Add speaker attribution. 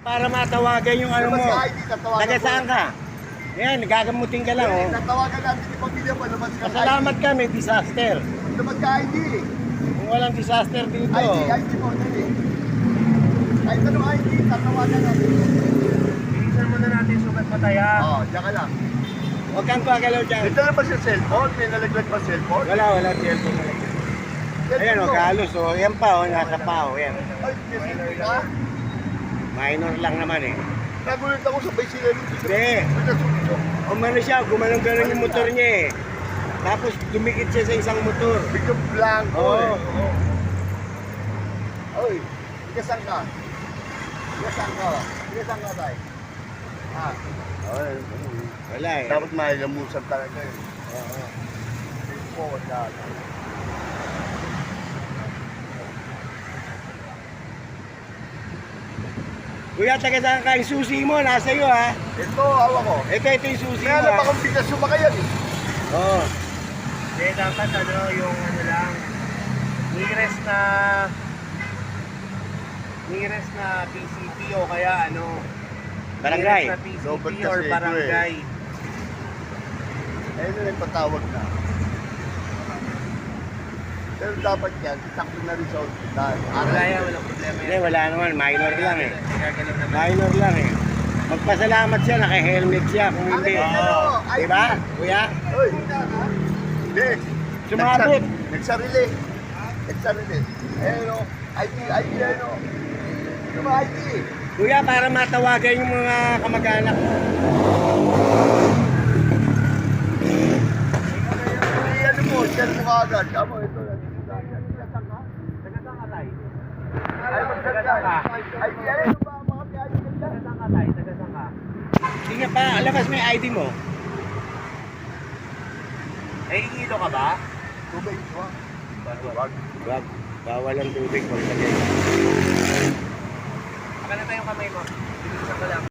Speaker 1: Para matawagan yung ano mo.
Speaker 2: Lumabas ka ID, tatawagan
Speaker 1: Taga
Speaker 2: ko.
Speaker 1: saan ka? Yan, gagamutin ka lang, oh.
Speaker 2: Tatawagan natin yung pamilya mo, lumabas ka
Speaker 1: Pasalamat ka, may disaster.
Speaker 2: Lumabas ka ID.
Speaker 1: Kung walang disaster dito,
Speaker 2: ID mo, dali. Kahit anong ID, tatawagan natin.
Speaker 3: Bilisan muna natin sugat mataya.
Speaker 2: Oo, diyan ka lang.
Speaker 1: huwag kang pagalaw dyan.
Speaker 2: Ito na ba sa cellphone? May nalaglag pa cellphone?
Speaker 1: Wala cellphone na lang. Ayan, oh, kalos, oh. Yan pa, oh, nasa pa, oh. Yan.
Speaker 2: Ay, may cellphone ka?
Speaker 1: Minor lang naman, eh.
Speaker 2: Nagulat ako sabay sila rin.
Speaker 1: Hindi.
Speaker 2: May nasunog.
Speaker 1: Umano siya, gumanong-ganon yung motor niya, eh. Tapos dumikit siya sa isang motor.
Speaker 2: Biglang blanco
Speaker 1: Oo.
Speaker 2: Oy, ikasan ka. Ikasan ka. Ikasan ka tayo. Ah. Oy.
Speaker 1: Wala, eh.
Speaker 2: Dapat mailamusan talaga yun.
Speaker 1: Oo.
Speaker 2: Forward ka.
Speaker 1: Kuya, taga saan ka? Yung susi mo, nasa iyo, ha?
Speaker 2: Ito, awa ko.
Speaker 1: Ito yung susi mo,
Speaker 2: Kaya na
Speaker 1: ha?
Speaker 2: ba kung bigla sumakayan eh?
Speaker 1: Oo.
Speaker 3: Hindi, dapat ano, yung ano lang, nearest na PCP o kaya ano,
Speaker 1: Barangay.
Speaker 3: nearest na PCP
Speaker 2: Robert
Speaker 3: or
Speaker 2: Casedo,
Speaker 3: barangay.
Speaker 2: Ayun na yung patawag na. Pero dapat yan, sakto na rin sa hospital.
Speaker 3: Wala yan, walang problema
Speaker 1: Hindi,
Speaker 3: yan.
Speaker 1: wala naman. Minor lang, eh.
Speaker 3: Gaganon naman.
Speaker 1: Minor lang, eh. Magpasalamat siya, naka-helmet siya. Kung hindi, diba? Kuya?
Speaker 2: Uy! Hindi.
Speaker 1: Sumabot.
Speaker 2: Nagsarili. Nagsarili. Ayun o. ID, ayun o. Ano ba ID?
Speaker 1: Kuya, para matawagan yung mga kamag-anak mo.
Speaker 2: Ano mo, share mo agad. Tama, ito. Nagsasan ka?
Speaker 3: Taga-saan ka tayo?
Speaker 2: Ay, magsasal ka. ID, ayun ba? Mga ID ka dyan.
Speaker 3: Taga-saan ka tayo? Taga-saan ka?
Speaker 1: Sige pa, labas mo yung ID mo.
Speaker 3: Eh, hilo ka ba?
Speaker 2: Tubig, wag.
Speaker 1: Wag. Bawal ang tubig. Wag lagay.
Speaker 3: Baka na tayong kamay mo. Bilisan ko lang.